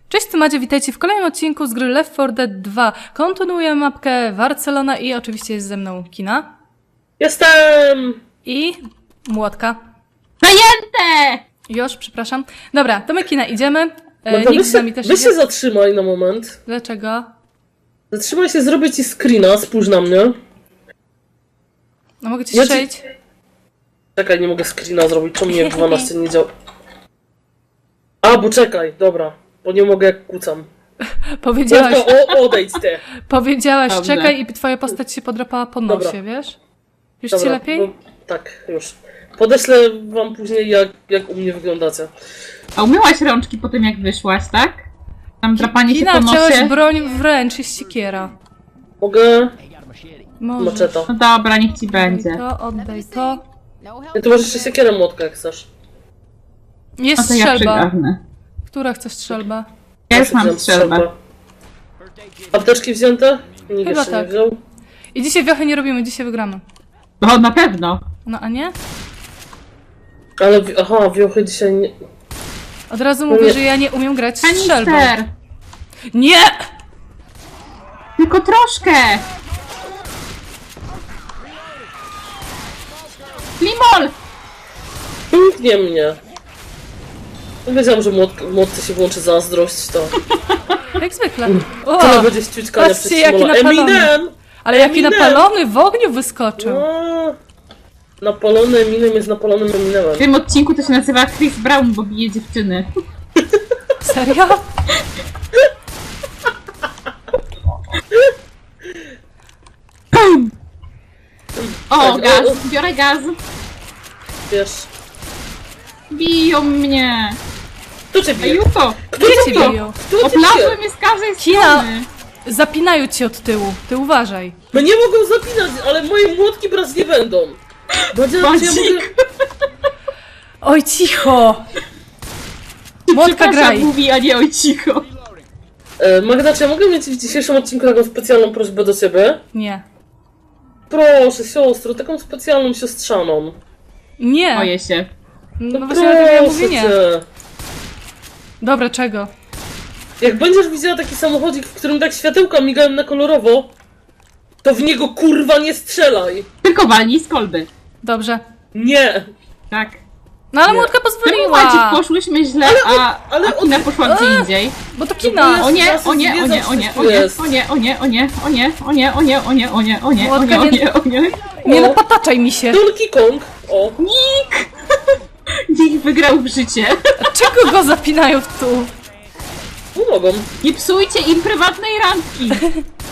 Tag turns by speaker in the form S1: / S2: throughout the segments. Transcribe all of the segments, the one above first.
S1: Cześć, tu Macie, witajcie w kolejnym odcinku z gry Left 4 Dead 2. Kontynuuję mapkę Barcelona i oczywiście jest ze mną Kina.
S2: Jestem!
S1: I Młotka.
S3: Zajęte!
S1: Już, przepraszam. Dobra, to my Kina idziemy.
S2: Magda,
S1: Nikt z nami też
S2: weź
S1: idzie.
S2: się zatrzymaj na moment.
S1: Dlaczego?
S2: Zatrzymaj się, zrobię ci screena, spójrz na mnie.
S1: No mogę cię
S2: Ja
S1: strzelić?
S2: Czekaj, nie mogę screena zrobić, to mnie w 12 nie działa. A, bo czekaj, dobra. Bo nie mogę jak kucam.
S1: Powiedziałaś,
S2: Odejdź ty.
S1: powiedziałaś
S3: Dobrze.
S1: czekaj i twoja postać się podrapała po nosie,
S2: Dobra.
S1: wiesz? Już
S2: Dobra,
S1: ci lepiej?
S2: bo- tak, już. Podeślę wam później jak u mnie wyglądacie.
S3: A umyłaś rączki po tym, jak wyszłaś, tak? Tam drapanie się
S1: Kina,
S3: po
S1: wziąłeś
S3: nosie.
S1: broń w ręcz, jest siekiera.
S2: Mogę?
S1: Możesz.
S2: Maczeta.
S3: No dobra, niech ci
S1: Oddaj
S3: będzie.
S1: to, oddaj to.
S2: Ja tu masz jeszcze siekierę młotka, jak chcesz.
S1: Jest
S3: No to ja
S1: strzelba.
S3: przygarnę.
S1: Która chce strzelbę?
S3: Ja już mam
S2: wziąłem
S3: strzelbę.
S2: Apteczki wzięte? Nikt
S1: Chyba
S2: jeszcze
S1: tak.
S2: nie wziął.
S1: I dzisiaj wiochy nie robimy, dzisiaj wygramy.
S3: No na pewno.
S1: No a nie?
S2: Ale, aha, wiochy dzisiaj nie...
S1: Od razu mówię,
S2: Nie.
S1: że ja nie umiem grać strzelbą.
S3: Kanister!
S1: Nie!
S3: Tylko troszkę! Limol!
S2: Nie mnie. No wiedziałam, że młotce się włączy zazdrość, to...
S1: Jak zwykle. O,
S2: Tyle będzie ściućkania
S1: patrzcie,
S2: przez
S1: jaki
S2: Simola.
S1: napalony.
S2: Eminem!
S1: ale jaki
S2: Eminem!
S1: napalony w ogniu wyskoczył.
S2: No. Napalony Eminem jest napalonym Eminemem.
S3: W tym odcinku to się nazywa Chris Brown, bo bije dziewczyny.
S1: Serio?
S3: O,
S2: Tak,
S3: gaz!
S2: o.
S3: Biorę gaz!
S2: Wiesz...
S3: Biją mnie!
S2: Kto cię
S3: A
S2: bije?
S3: Juko!
S2: Kto
S1: Gdzie
S2: cię
S1: cię
S2: bije?
S1: biją?
S2: Kto cię
S3: Oplazły
S2: bije?
S3: mnie z każdej
S1: Kina.
S3: strony!
S1: Zapinają cię od tyłu. Ty uważaj.
S2: No nie mogą zapinać, ale moje młotki brać nie będą. Badzia, czy ja
S3: Bądź
S2: mogę...
S1: Oj, cicho! Młotka
S3: Przepraszam,
S1: graj.
S3: mówi, a nie oj cicho.
S2: Magda, czy ja mogę mieć w dzisiejszym odcinku taką specjalną prośbę do ciebie?
S1: Nie.
S2: Proszę, siostro, taką specjalną siostrzaną.
S1: Nie.
S3: Boję się.
S1: No właśnie dlatego ja mówię nie.
S2: cię.
S1: Dobra, czego?
S2: Jak będziesz widziała taki samochodzik, w którym tak światełka migają na kolorowo, to w niego kurwa nie strzelaj!
S3: Tylko walnij z kolby.
S1: Dobrze.
S2: Nie!
S3: Tak.
S1: No ale
S2: Nie.
S1: Młotka
S3: Czemu
S1: pozwoliła.
S3: Maciek poszłyśmy źle, a Kina poszła gdzie indziej?
S1: Bo to kina.
S3: O nie,
S2: Zaraz
S3: o nie, o nie, o nie, o nie,
S2: jest.
S3: o nie, o nie, o nie, o nie, o nie, o nie, o nie, o nie, o nie, o
S1: Młotka
S3: nie, o
S1: nie-
S3: nie, o nie.
S1: Nie napataczaj mi się.
S2: Donkey Kong! O!
S3: Nick! Nick wygrał w życie.
S1: Czego go zapinają tu?
S2: Pomogą.
S3: Nie psujcie im prywatnej randki.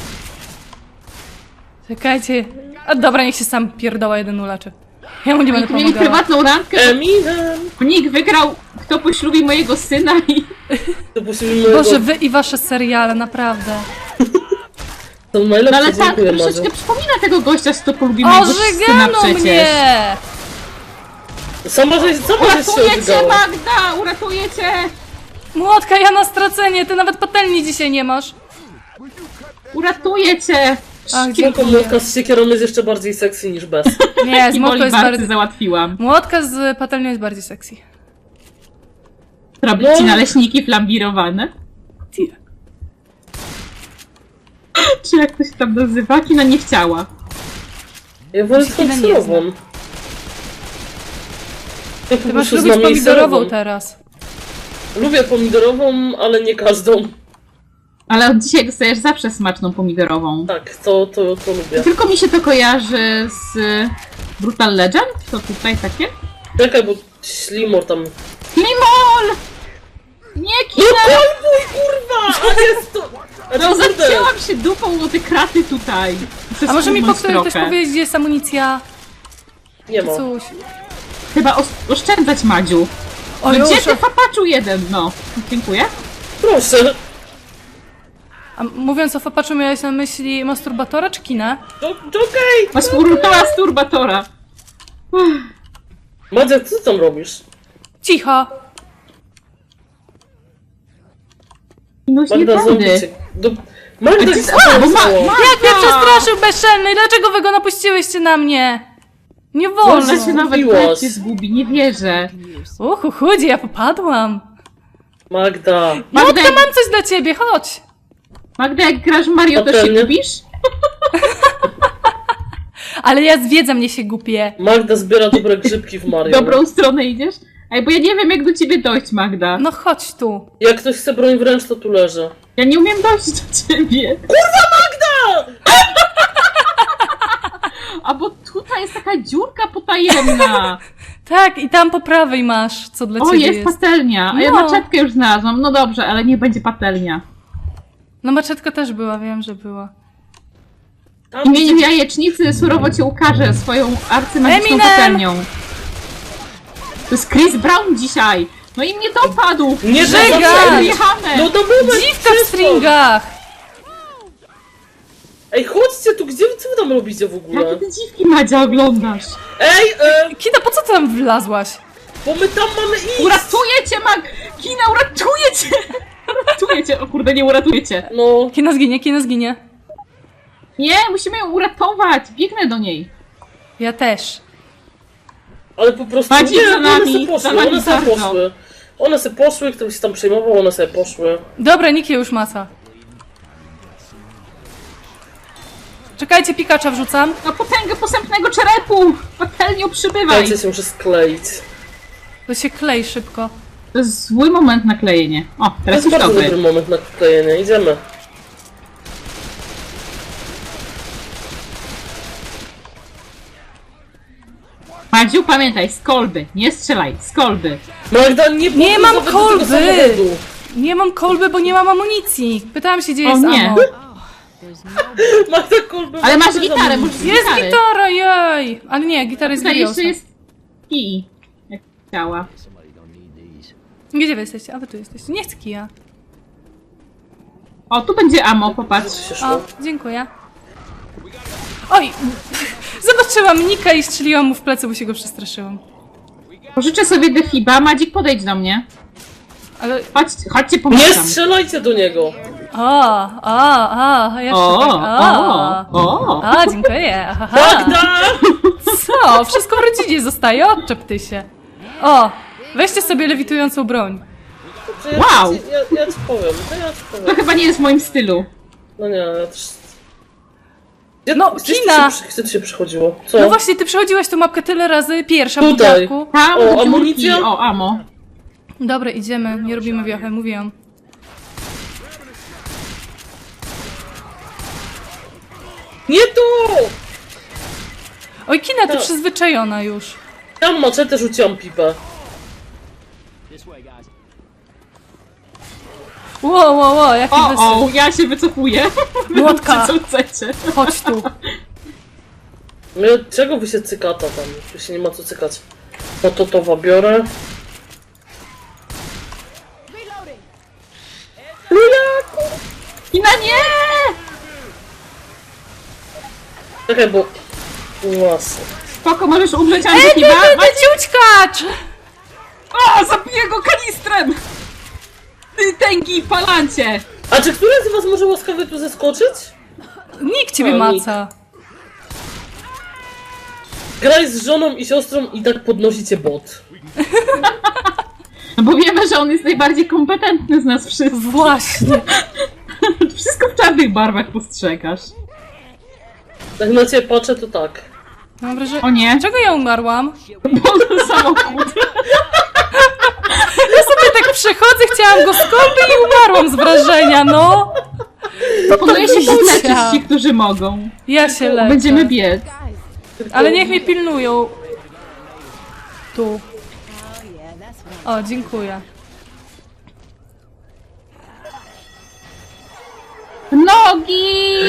S1: Czekajcie. A dobra, niech się sam pierdoła jeden uleczy. Ja mu nie będę
S3: Nick mieli
S1: pomagała.
S3: prywatną randkę,
S2: Eminem!
S3: bo Nick wygrał kto poślubi mojego syna i...
S2: To posłuchajmy
S1: Boże, wy i wasze seriale, naprawdę.
S2: To
S3: No
S2: najlepsze,
S3: ale tak,
S2: dziękuję, Madziu.
S3: troszeczkę przypomina tego gościa, co polubi
S1: O,
S3: mojego syna
S1: żygano
S3: przecież.
S1: mnie!
S2: Sama żeś się
S3: Uratuję cię,
S2: odgała.
S3: Magda! Uratuję cię!
S1: Młotka, ja na stracenie, ty nawet patelni dzisiaj nie masz.
S3: Uratuję cię!
S1: Ach,
S2: Tylko
S1: dziękuję.
S2: młotka z siekierą jest jeszcze bardziej sexy niż bez.
S1: Nie, z
S3: I
S1: młotką jest
S3: Bolivarcy
S1: bardziej...
S3: załatwiłam.
S1: Młotka z patelnią jest bardziej sexy.
S3: Robić ci naleśniki flambirowane?
S1: Tia.
S3: Czy jak to się tam nazywa? Kina nie chciała.
S2: Ja wolę
S1: Się
S2: tą
S1: nie
S2: surową. Ja po
S1: Ty masz
S2: prostu
S1: lubić
S2: znam jej
S1: pomidorową
S2: serową.
S1: teraz.
S2: Lubię pomidorową, ale nie każdą.
S3: Ale od dzisiaj dostajesz zawsze smaczną pomidorową.
S2: Tak, to lubię.
S3: Tylko mi się to kojarzy z Brutal Legend? To tutaj takie?
S2: Czekaj, bo ślimor tam...
S3: Limol! Nie,
S2: No
S3: Kina!
S2: kolbuj, kurwa! A jest to... A
S3: No
S2: kurde.
S3: zacięłam się dupą o te kraty tutaj.
S1: A może mi ktoś
S3: trochę.
S1: powiedzieć, gdzie jest amunicja?
S2: Nie ma.
S1: Coś.
S3: Chyba oszczędzać, Madziu.
S1: O,
S3: No
S1: już.
S3: gdzie ty, papaczu jeden? No. Dziękuję.
S2: Proszę.
S1: A mówiąc o fapaczu, miałeś na myśli masturbatora czy kinę?
S2: Okej.
S3: Masturbatora.
S2: Madzia, co ty tam robisz?
S1: Cicho!
S3: No nie
S2: Magda,
S3: będę.
S2: zombie cię... Magda,
S3: A ty-
S2: gdzie
S3: a, bo ma-
S2: są?
S1: Jak mnie przestraszył bezczelny! Dlaczego wy go napuściłyście na mnie? Nie wolno!
S3: Ona się nawet
S2: Zgubiłaś.
S3: cię zgubi, nie wierzę.
S1: Uhu, chudzi, ja popadłam.
S2: Magda.
S3: Magda,
S1: Motka, mam coś dla ciebie, chodź!
S3: Magda, jak grasz w Mario, też się
S2: Patelnie?
S3: gubisz?
S1: Ale ja zwiedzam, mnie się gubię.
S2: Magda zbiera dobre grzybki w
S3: W
S2: Mario.
S3: dobrą stronę idziesz? Ej, bo ja nie wiem, jak do ciebie dojść, Magda.
S1: No chodź tu.
S2: Jak ktoś chce broń wręcz, to tu leży.
S3: Ja nie umiem dojść do ciebie.
S2: Magda!
S3: A bo tutaj jest taka dziurka potajemna.
S1: Tak, i tam po prawej masz, co dla
S3: O,
S1: ciebie
S3: jest patelnia. A ja
S1: No.
S3: maczetkę już znalazłam. No dobrze, ale niech będzie patelnia.
S1: No maczetka też była, wiem, że była.
S2: Tam
S3: W imieniu jajecznicy surowo cię ukaże swoją arcymagiczną
S1: Eminem!
S3: patelnią. To jest Chris Brown dzisiaj. No i mnie dopadł.
S2: Nie
S1: Żega!
S2: żegaj!
S3: Wyjechane.
S2: No to moment!
S1: Dziwka w stringach!
S2: Ej, chodźcie tu, gdzie co wy tam robicie w ogóle?
S3: Jakie ty dziwki, Madzia, oglądasz?
S2: Ej,
S1: Kina, po co ty tam wlazłaś?
S2: bo my tam mamy iść!
S3: Uratuję cię, Kina, uratuję cię! Uratuję cię. O kurde, nie uratuję cię.
S2: No,
S1: Kina zginie, kina zginie.
S3: Nie, musimy ją uratować. Biegnę do niej.
S1: Ja też.
S2: ale po prostu
S3: Maciek
S2: nie,
S3: za
S2: one
S3: nami,
S2: se poszły,
S3: za nami
S2: one se
S3: bardzo.
S2: poszły. One se poszły, ktoś się tam przejmował, one sobie poszły.
S1: Dobra, nikt je już maca. Czekajcie, pikacza wrzucam.
S3: No potęgę posępnego czerepu! Patelnią przybywaj!
S2: Dajcie się muszę skleić.
S1: To się klei szybko.
S3: To jest zły moment na klejenie. O,
S2: To
S3: teraz
S2: jest
S3: już
S2: bardzo
S3: dobry.
S2: dobry moment na klejenie, idziemy.
S3: Madziu, pamiętaj, z kolby. Nie strzelaj, z kolby.
S2: Magda, nie
S1: Nie mam
S2: podróż nawet do tego
S1: kolby!
S2: samochodu.
S1: Nie mam kolby, bo nie mam amunicji. Pytałam się, gdzie
S3: O
S1: jest
S3: nie.
S1: ammo.
S2: Magda kolby.
S3: Ale masz
S2: Magda
S3: gitarę,
S2: zamówi.
S3: możesz
S1: Jest
S3: gitary.
S1: gitara, jej! Ale nie, gitara jest
S3: Tutaj jeszcze
S1: Gloriosa.
S3: jest kij. Jak chciała.
S1: Gdzie wy jesteście? A wy tu jesteście. Nie chcę kija.
S3: O, tu będzie ammo, popatrz.
S2: Się szło.
S1: O, dziękuję. Oj! Zobaczyłam Nika i strzeliłam mu w plecy, bo się go przestraszyłam.
S3: Pożyczę sobie defiba. Madzik, podejdź do mnie.
S1: Ale...
S3: Chodźcie,
S2: Nie
S3: pomagam.
S2: strzelajcie do niego!
S1: Jeszcze
S3: O,
S1: tak.
S3: o.
S1: Dziękuję. Ahaha.
S2: Magda!
S1: Co? Wszystko w rodzinie zostaje, odczep ty się. O, weźcie sobie lewitującą broń.
S2: To ja,
S3: Wow.
S2: Ja ci powiem, ja ci
S3: To
S2: powiem.
S3: chyba nie jest w moim stylu.
S2: No nie, ja też... Gdzie,
S1: No,
S2: gdzieś
S1: kina.
S2: Gdzie to się przychodziło? Co?
S1: No właśnie, ty przechodziłaś tą mapkę tyle razy, pierwsza w
S2: Tutaj.
S1: budziaku.
S3: Tam,
S2: O,
S3: do dziurki.
S2: amunicja?
S3: O, ammo.
S1: Dobra, idziemy, nie robimy wiochy, mówiłam.
S2: Nie tu!
S1: Oj, Kina, ty
S2: No.
S1: przyzwyczajona już.
S2: Tam maczetę rzuciłam pipę.
S1: Ło, jaki
S3: O, ja się wycofuję.
S1: Młotka.
S3: Co chcecie?
S1: Chodź tu.
S2: No, czego wy się cykata tam? Tu się nie ma co cykać. No to towa biorę.
S3: Kina, nie!
S2: Czekaj, bo... Łasy.
S3: Spoko, możesz umrzeć,
S1: Ty,
S3: Antykiba.
S1: ciućkacz!
S3: O, zabiję go kanistrem! Ty tęgi palancie!
S2: A czy któraś z was może łaskawie tu zeskoczyć?
S1: Nikt ciebie
S2: O,
S1: maca.
S2: Graj z żoną i siostrą i tak podnosicie bot.
S3: No bo wiemy, że on jest najbardziej kompetentny z nas wszystkich.
S1: Właśnie.
S3: Wszystko w czarnych barwach postrzegasz.
S2: Jak na ciebie patrzę, to tak.
S1: Mam wrażenie...
S3: O nie,
S1: Czego ja umarłam?
S3: bo samochód.
S1: Ja sobie tak przechodzę, chciałam go skąpy i umarłam z wrażenia, no.
S3: Proponuję się
S1: Widzicie.
S3: podleczyć ci, którzy mogą.
S1: Ja się leczę.
S3: Będziemy biec.
S1: Ale niech mnie pilnują. Tu. O, dziękuję.
S3: Nogi!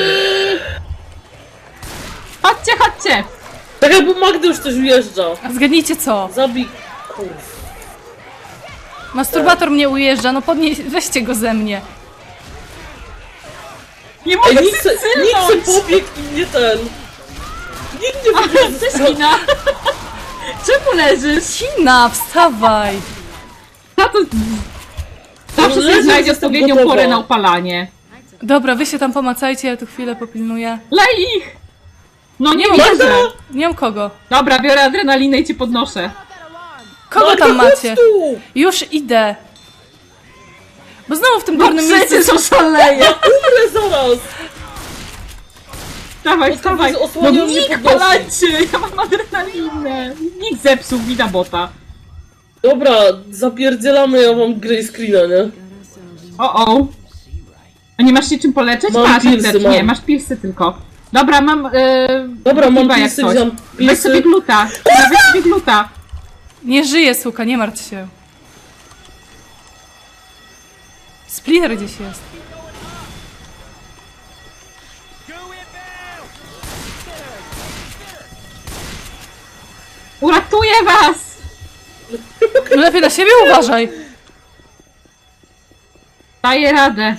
S3: Chodźcie, chodźcie!
S2: Czekaj, bo Magdy już coś ujeżdża.
S1: A zgadnijcie co?
S2: Zabij... Kurw.
S1: Masturbator mnie ujeżdża, no podnieś, weźcie go ze mnie.
S3: Nie
S2: Ej,
S3: mogę
S2: nikt se
S3: cylnąć!
S2: pobiegł i nie ten. Nikt nie pobiegł ze strony.
S3: Cześć, czemu leżysz?
S1: Kina, wstawaj.
S3: Tato... Zawsze
S2: Leżę,
S3: sobie znajdzie
S2: jestem
S3: odpowiednią
S2: gotowa.
S3: porę na upalanie.
S1: Dobra, wy się tam pomacajcie, ja tu chwilę popilnuję.
S3: Lej ich! No nie
S1: Magda!
S3: wierzę!
S1: Nie mam kogo.
S3: Dobra, biorę adrenalinę i cię podnoszę.
S1: Kogo
S2: Magda,
S1: tam
S2: chodź
S1: macie?
S2: tu!
S1: Już idę. Bo znowu w tym
S3: No
S1: górnym miejscu...
S3: przecież oszaleję!
S2: Umrę zaraz!
S3: Dawaj,
S2: Botka
S3: dawaj!
S2: widzę,
S3: No
S2: osłaniał mnie
S3: nikt
S2: podnosi.
S3: palacie! Ja mam adrenalinę! Nikt zepsuł mi na bota.
S2: Dobra, zapierdzielamy, ja mam grey screena, nie?
S3: O. A nie masz się czym poleczyć?
S2: Mam
S3: Masz
S2: pilsy,
S3: apteczki.
S2: mam.
S3: Nie, masz pilsy tylko. Dobra, mam...
S2: Dobra, mam
S3: chyba jak
S2: pilsy,
S3: coś.
S2: wziąłem
S3: Weź
S2: pilsy.
S3: sobie gluta. Weź sobie gluta.
S1: Nie żyje, suka, nie martw się. Splitter gdzieś jest.
S3: Uratuję was!
S1: No lepiej na siebie uważaj.
S3: Daję radę.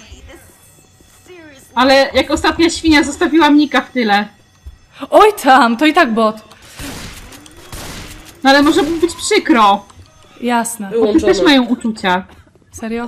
S3: Ale jak ostatnia świnia zostawiłam Nika w tyle.
S1: Oj tam, to i tak bot.
S3: No ale może mu być przykro.
S1: Jasne.
S3: Bo ty
S2: Wyłączone.
S3: też mają uczucia.
S1: Serio?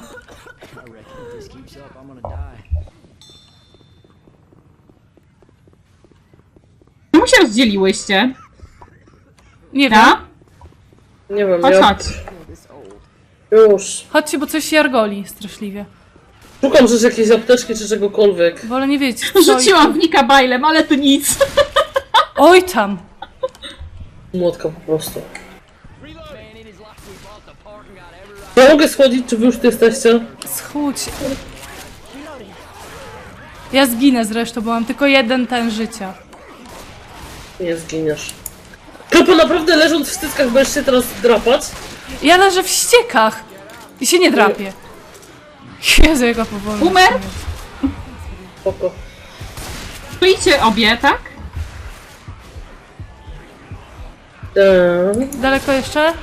S2: No
S3: Czemu się rozdzieliłyście?
S1: Nie wiem.
S3: Ja?
S2: Nie wiem,
S3: Chodź,
S2: ja...
S3: chodź.
S2: Już.
S1: Chodźcie, bo coś się jargoli straszliwie.
S2: Szukam rzeczy, jakiejś apteczki czy czegokolwiek.
S1: Wolę nie wiedzieć. co
S3: Rzuciłam w Nika bajlem, ale to nic.
S1: Oj tam.
S2: Młotka po prostu. Ja mogę schodzić, czy wy już tu jesteście?
S1: Schudź. Ja zginę zresztą, bo mam tylko jeden ten życia.
S2: Nie zginiesz. Kropa, naprawdę leżąc w styckach będziesz się teraz drapać?
S1: Ja leżę w ściekach. I się nie drapię. Jezu, jaka powolna.
S3: Umer?
S2: Spoko.
S3: Stoicie obie, tak?
S1: Daleko jeszcze?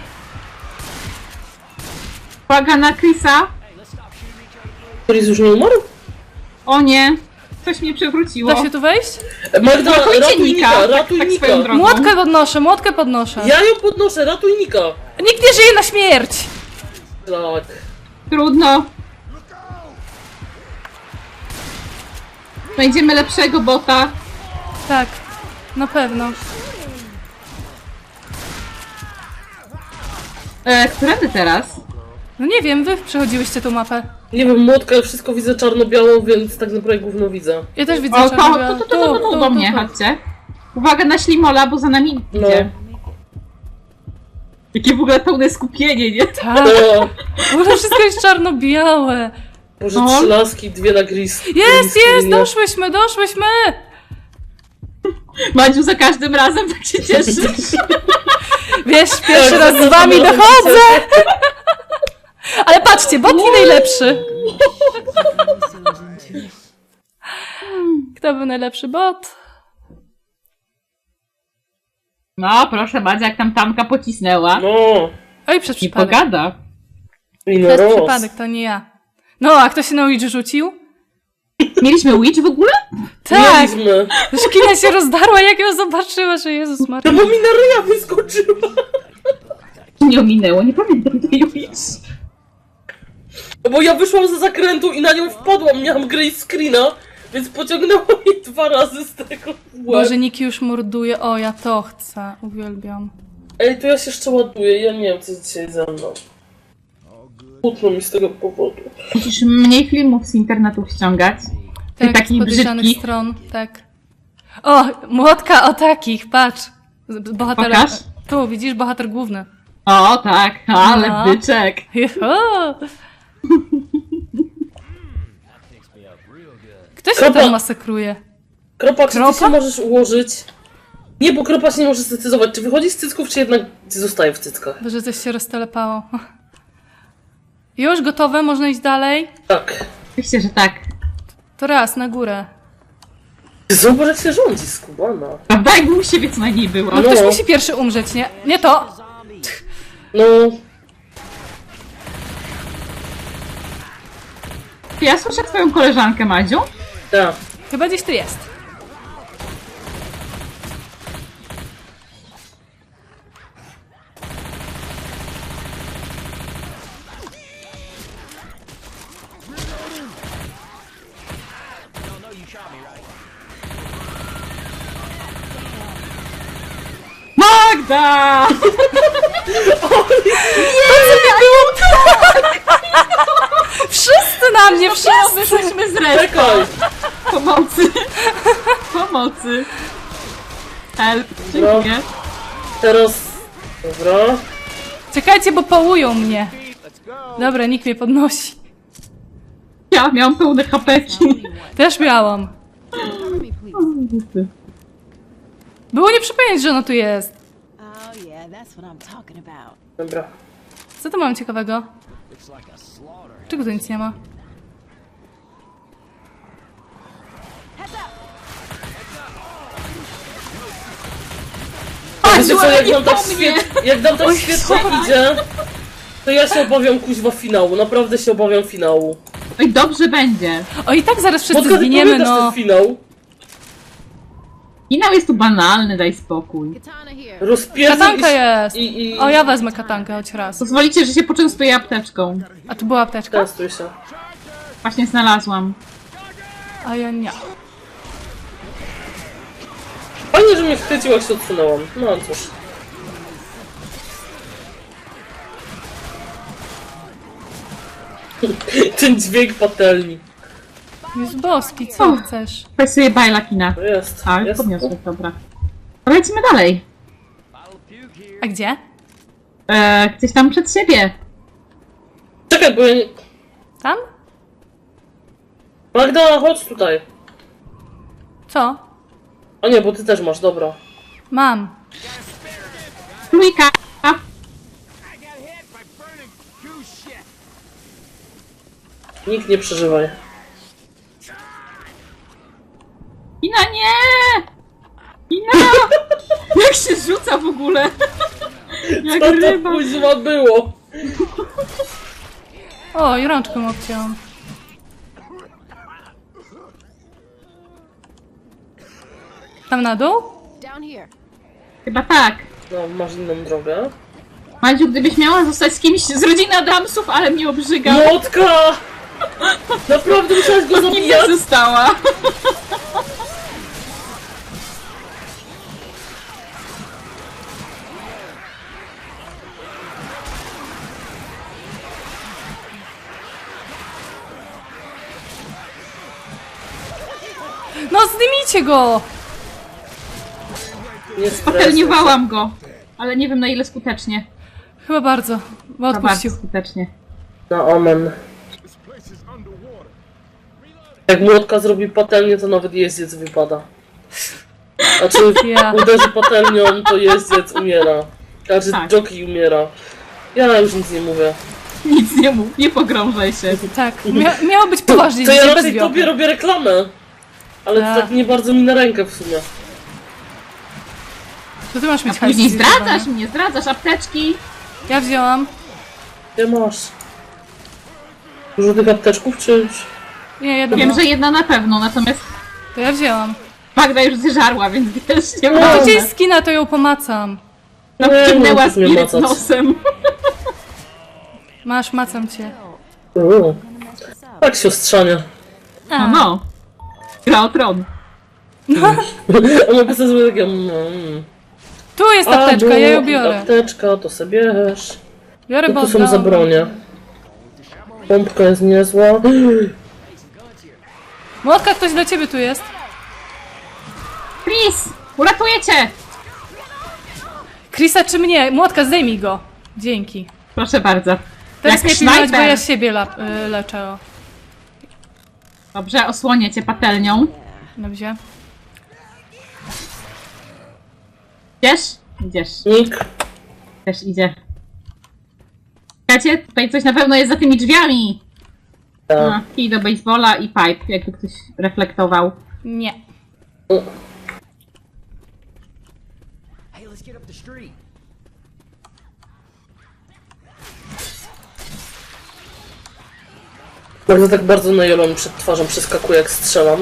S3: Uwaga na Chrisa.
S2: Chris już nie umarł?
S3: O nie. Coś mnie przewróciło.
S1: Da się tu wejść?
S2: Magda,
S3: Ratujcie
S2: ratuj
S3: Nika,
S2: Nika,
S3: tak
S2: ratuj Nika.
S3: swoją drogą.
S1: Młotkę podnoszę.
S2: Ja ją podnoszę, ratuj Nika.
S1: Nikt nie żyje na śmierć!
S2: Tak.
S3: Trudno. Znajdziemy lepszego bota.
S1: Tak, na pewno.
S3: Którędy teraz?
S1: No nie wiem, wy przechodziłyście tą mapę.
S2: Nie wiem, młotka, wszystko widzę czarno-białą, więc tak naprawdę gówno widzę.
S1: Ja też widzę,
S3: O,
S1: że
S3: to do mnie, chodźcie. Uwaga na ślimola, bo za nami
S2: No.
S3: idzie. Jakie w ogóle pełne skupienie, nie?
S1: Tak,
S2: O,
S1: w ogóle wszystko jest czarno-białe.
S2: Boże,
S3: No.
S2: 3 laski, 2 na gris.
S1: Jest, doszłyśmy!
S3: Madziu, za każdym razem tak się cieszysz.
S1: Wiesz, pierwszy
S2: Tak,
S1: raz z wami dochodzę! Ale patrzcie, bot i najlepszy. Kto był najlepszy bot?
S3: No, proszę Madzia, jak tam Tamka pocisnęła.
S2: No,
S1: Oj, przez
S3: Nie
S1: przypadek.
S3: pogada.
S2: i no
S1: Przez
S2: roz.
S1: przypadek, to nie ja. No, a kto się na Ouija rzucił?
S3: Mieliśmy Witch w ogóle?
S1: Tak!
S2: Mieliśmy.
S1: Szkina się rozdarła, jak ją zobaczyła, że Jezus Maria.
S2: No bo mi na ryja wyskoczyła.
S3: Nie ominęło, nie pamiętam tej Witch.
S2: No bo ja wyszłam ze zakrętu i na nią wpadłam, miałam grey screena, więc pociągnęło mnie 2 razy z tego w łeb.
S1: Boże, Niki już morduje. O, ja to chcę. Uwielbiam.
S2: Ej, to ja się jeszcze ładuję, ja nie wiem co jest dzisiaj ze mną. Smutno mi z tego powodu.
S3: Musisz mniej filmów z internetu ściągać. Ty
S1: Tak, z
S3: taki
S1: podejrzanych
S3: brzydki.
S1: stron, tak. O, młotka o takich, patrz. Bohater...
S3: Pokaż.
S1: Tu, widzisz, bohater główny.
S3: O, tak, ale
S1: No.
S3: byczek.
S1: Juhu. Kto się
S2: Kropa.
S1: tam masakruje?
S2: Kropa, czy ty
S1: Kropa?
S2: się możesz ułożyć? Nie, bo kropa się nie może zdecydować, czy wychodzi z cycków, czy jednak zostaje w cyckach.
S1: Boże, coś się roztelepało. Już gotowe, można iść dalej?
S2: Tak.
S3: Oczywiście, że tak.
S1: To raz, na górę.
S2: Zobacz jak się rządzi, skubana.
S3: Prawda? Jakby u siebie co najmniej było.
S1: No ktoś musi pierwszy umrzeć, nie? Nie to!
S2: No,
S3: Ja słyszę twoją koleżankę, Madziu.
S2: tak.
S1: Chyba gdzieś tu jest.
S3: Magda!
S1: Wszyscy
S3: Wyszliśmy z respa.
S2: Czekaj!
S3: Pomocy. Pomocy. Help. Dziękuję.
S2: Teraz... Dobra.
S1: Czekajcie, bo połują mnie. Dobra, nikt mnie podnosi.
S3: Ja miałam pełne hapeki.
S1: Też miałam. Było nie przypomnieć, że ona tu jest.
S4: Oh yeah, that's what I'm talking about.
S2: Dobra.
S1: Co tu mam ciekawego? Czego tu nic nie ma?
S2: Wiecie co, jak nam tak
S3: po mnie.
S2: jak nam tak świetnie idzie, to ja się obawiam kuźwa finału. Naprawdę się obawiam finału.
S3: Oj, dobrze będzie.
S1: O, i tak zaraz wszyscy
S2: Motka, ty
S1: zginiemy,
S2: pamiętasz
S1: no.
S2: ten finał?
S3: Finał jest tu banalny, daj spokój.
S4: Katana here.
S2: Rozpierdził
S1: Katanka jest.
S2: i...
S1: O, ja wezmę katankę choć raz.
S3: Pozwolicie, że się poczęstuję apteczką.
S1: A tu była apteczka?
S2: Testuj się.
S3: Właśnie znalazłam.
S1: A ja nie.
S2: Fajnie, że mnie chwycił, jak się odsunęłam. No cóż. Ten dźwięk patelni.
S1: Jest boski, co chcesz?
S3: Weź sobie bajla kina.
S2: To jest.
S3: A,
S2: jest.
S3: podniosłem, dobra. To lecimy dalej.
S1: A gdzie?
S3: Gdzieś tam przed siebie.
S2: Czekaj, bo ja nie...
S1: Tam?
S2: Magda, chodź tutaj.
S1: Co?
S2: A nie, bo ty też masz, dobra.
S1: Mam.
S3: Trójka.
S2: Nikt nie przeżywaj.
S3: Ina, nie! Ina! Jak się rzuca w ogóle? Jak
S2: Co to
S3: ryba.
S2: kuźwa było?
S1: O, i rączką obcięłam. Tam na dół?
S4: Down here.
S3: Chyba tak.
S2: No, masz inną drogę.
S3: Madziu, gdybyś miała zostać z kimś z rodziny Adamsów, ale mnie obrzygał.
S2: Młotka! Naprawdę musiałaś go
S3: Nim nie
S2: zabijać?
S3: została.
S1: No, zdejmijcie go!
S2: Nie stresuj się.
S3: Popelniowałam go. Ale nie wiem na ile skutecznie.
S1: Chyba bardzo, bo
S3: Na bardzo
S1: odpuścił.
S3: skutecznie.
S2: Na omen. Jak młotka zrobi patelnię, to nawet jeździec wypada. Znaczy,
S1: Ja.
S2: uderzy patelnią, to jeździec umiera. Znaczy,
S3: Tak.
S2: jockey umiera. Ja już nic nie mówię.
S3: Nic nie mów, nie pogrążaj się.
S1: Tak, miało być poważnie,
S2: To ja
S1: dzisiaj bez
S2: raczej
S1: wiochu.
S2: tobie robię reklamę. Ale
S1: Tak.
S2: to tak nie bardzo mi na rękę w sumie.
S1: To ty masz
S3: A
S1: mieć
S3: później
S1: hajs,
S3: zdradzasz mnie, zdradzasz apteczki.
S1: Ja wzięłam.
S2: Gdzie masz? Dużo tych apteczków, czy...
S1: Nie, jedno
S3: Wiem,
S1: było.
S3: że jedna na pewno, natomiast
S1: To ja wzięłam.
S3: Magda już zeżarła, więc wiesz, nie
S2: No,
S3: ma.
S1: To gdzie jest skina, to ją pomacam.
S3: No,
S2: Nie,
S3: wciągnęła
S2: możesz mnie
S3: spiryt
S2: macać.
S3: nosem.
S1: Masz, macam cię.
S2: Tak, siostrzanie.
S3: No, no. Gra o tron.
S2: A mogę sobie zrobić takie...
S1: Tu jest apteczka, ja ją biorę.
S2: Apteczka, to sobie bierz.
S1: Biorę,
S2: To
S1: bo
S2: tu są
S1: oddałam.
S2: za bronie. Pompka jest niezła.
S1: Młotka, ktoś dla ciebie tu jest.
S3: Chris, uratuję cię!
S1: Chrisa czy mnie? Młotka, zdejmij go. Dzięki.
S3: Proszę bardzo.
S1: Teraz
S3: Jak
S1: nie pilnować, bo
S3: snajper.
S1: ja siebie leczę. O.
S3: Dobrze, osłonię cię patelnią.
S1: Dobrze.
S3: Idziesz? Idziesz.
S2: Nick.
S3: Też idzie. Słuchajcie, tutaj coś na pewno jest za tymi drzwiami. A, kij do baseballa i pipe, jakby ktoś reflektował.
S1: Nie.
S5: Hey, let's get up the street.
S2: Bardzo tak bardzo na jelon przed twarzą przeskakuje, jak strzelam.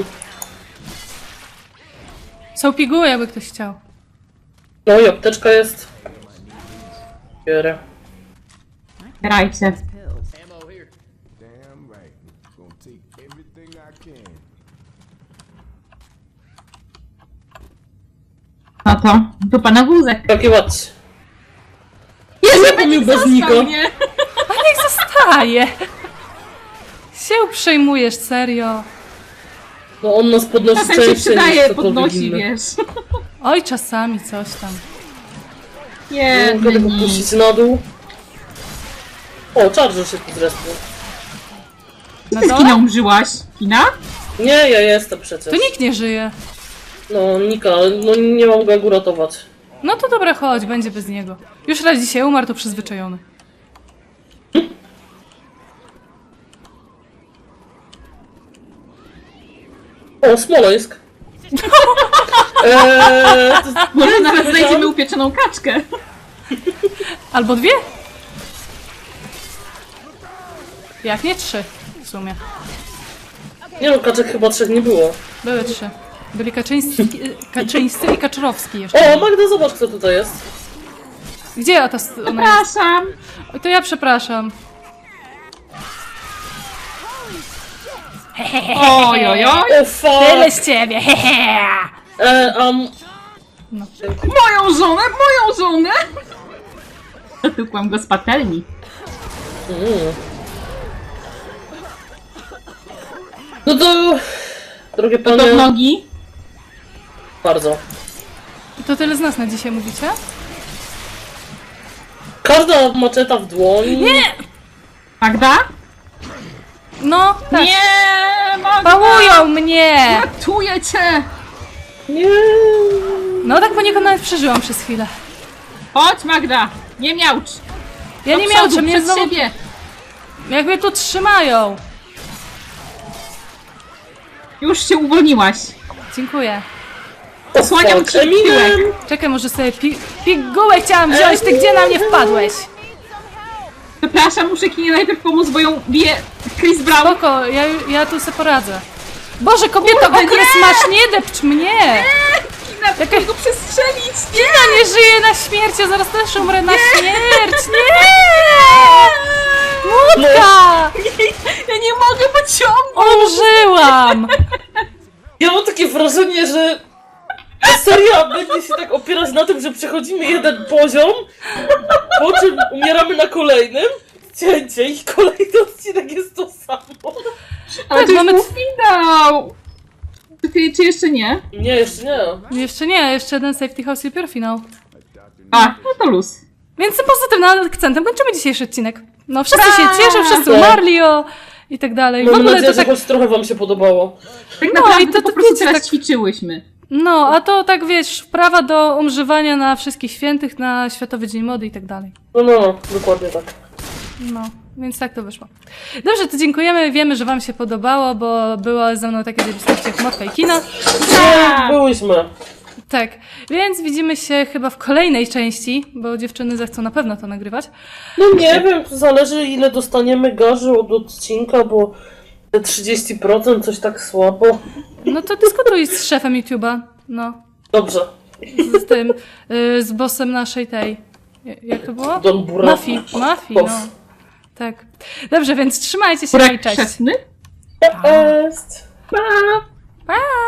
S1: Są piguły, jakby ktoś chciał.
S2: No i apteczka jest. Bierę.
S3: Grajcie.
S5: Ammo here.
S6: Damn right. Gonna take everything I can.
S3: No to, dupa na wózek.
S2: Jakie ładnie.
S3: Jezu,
S2: Zapomniał bez nika.
S3: został mnie.
S1: A niech zostaje! Się przejmujesz, serio.
S2: No on nas podnosi
S3: Czasem się
S2: częściej niż
S3: przydaje,
S2: ktokolwiek
S3: podnosi,
S2: inny.
S3: wiesz.
S1: Oj, czasami coś tam.
S2: Nie mogę
S3: Jedny
S2: tego
S3: nic.
S2: puścić na dół. O, Charger się tu zrespił.
S1: Na
S3: Ty z Kina
S1: dole?
S3: umrzyłaś? Kina?
S2: Nie, ja jestem przecież.
S1: Tu nikt nie żyje.
S2: No, Nika, no nie mogę go uratować.
S1: No to dobra, chodź, będzie bez niego. Już raz dzisiaj umarł, to przyzwyczajony.
S2: O, Smoleńsk. To,
S3: Może nawet
S2: wiedziałam.
S3: znajdziemy upieczoną kaczkę.
S1: Albo 2? Jak nie 3 w sumie.
S2: Nie no, kaczek chyba 3 nie było.
S1: Były 3. Byli Kaczyńscy i Kaczorowski jeszcze.
S2: O, Magda, zobacz kto tutaj jest.
S1: Gdzie ona jest?
S3: Przepraszam.
S1: Oj, to ja przepraszam.
S3: Oj, oj, oj.
S2: O, fuck.
S1: Tyle z ciebie, hehe!
S3: Moją żonę! Zatykłam go z patelni.
S2: No to... Drogie
S3: To w
S2: panie,
S3: nogi.
S2: bardzo.
S1: To tyle z nas na dzisiaj mówicie?
S2: Każda maczeta w dłoni. Nie!
S3: Magda?
S1: No, tak.
S3: Nie, Magda!
S1: Pałują mnie!
S3: Ratuję cię!
S2: Nie!
S1: No tak poniekąd nawet przeżyłam przez chwilę.
S3: Chodź, Magda! Nie miałcz!
S1: Ja
S3: Do
S1: nie
S3: przodu,
S1: miałam, mnie
S3: przed
S1: znowu...
S3: siebie!
S1: Jak mnie tu trzymają!
S3: Już się uwolniłaś.
S1: Dziękuję.
S3: Osłaniam
S2: Fuck,
S3: ci tyłek.
S2: Eminem!
S1: Czekaj, może sobie pigułę chciałam wziąć, ty gdzie na mnie wpadłeś?
S3: Przepraszam, muszę Kinie najpierw pomóc, bo ją bije Chris Brown.
S1: Spoko, ja tu sobie poradzę. Boże, kobieto,
S3: Kurde,
S1: okres
S3: nie!
S1: masz, nie depcz mnie!
S3: Kina,
S1: Jaka-
S3: go przestrzelić! Nie!
S1: Ja nie żyję na śmierć, ja zaraz też umrę na śmierć, nie! Łódka!
S3: Ja nie mogę pociągnąć!
S1: Umrzyłam!
S2: Ja mam takie wrażenie, że ta seria będzie się tak opierać na tym, że przechodzimy jeden poziom, po czym umieramy na kolejnym, cięcie i kolejny odcinek jest to samo.
S3: Ale
S1: Tak,
S3: to
S1: mamy-
S3: mamy finał! Czy jeszcze nie?
S2: Nie, jeszcze nie.
S1: Jeszcze nie, jeszcze jeden Safety House i dopiero finał.
S3: A, no to luz.
S1: Więc tym pozytywnym akcentem kończymy dzisiejszy odcinek. No, wszyscy się cieszą, wszyscy umarli o... i tak dalej. W
S2: Mam
S1: ogóle
S2: nadzieję,
S1: to tak...
S2: że choć trochę wam się podobało.
S3: Tak
S1: No
S3: naprawdę
S1: i to
S3: po prostu
S1: wiecie,
S3: teraz
S1: tak-
S3: ćwiczyłyśmy.
S1: No, a to tak wiesz, prawa do umrzywania na wszystkich świętych, na Światowy Dzień Mody i tak dalej.
S2: No, dokładnie tak.
S1: No, więc tak to wyszło. Dobrze, to dziękujemy, wiemy, że wam się podobało, bo było ze mną takie zjawiskości jak Motka i Kina.
S2: Nie, byłyśmy.
S1: Tak, więc widzimy się chyba w kolejnej części, bo dziewczyny zechcą na pewno to nagrywać.
S2: No nie wiem, to zależy ile dostaniemy garzy od odcinka, bo te 30% coś tak słabo.
S1: No to dyskutuj z szefem YouTube'a, no,
S2: Dobrze.
S1: z tym, z bossem naszej tej, jak to było?
S2: Don Burak.
S1: Mafii, no. Tak. Dobrze, więc trzymajcie się, no i
S3: Burek
S1: cześć.
S3: chrzestny?
S2: Cześć.
S3: Pa!
S1: Pa!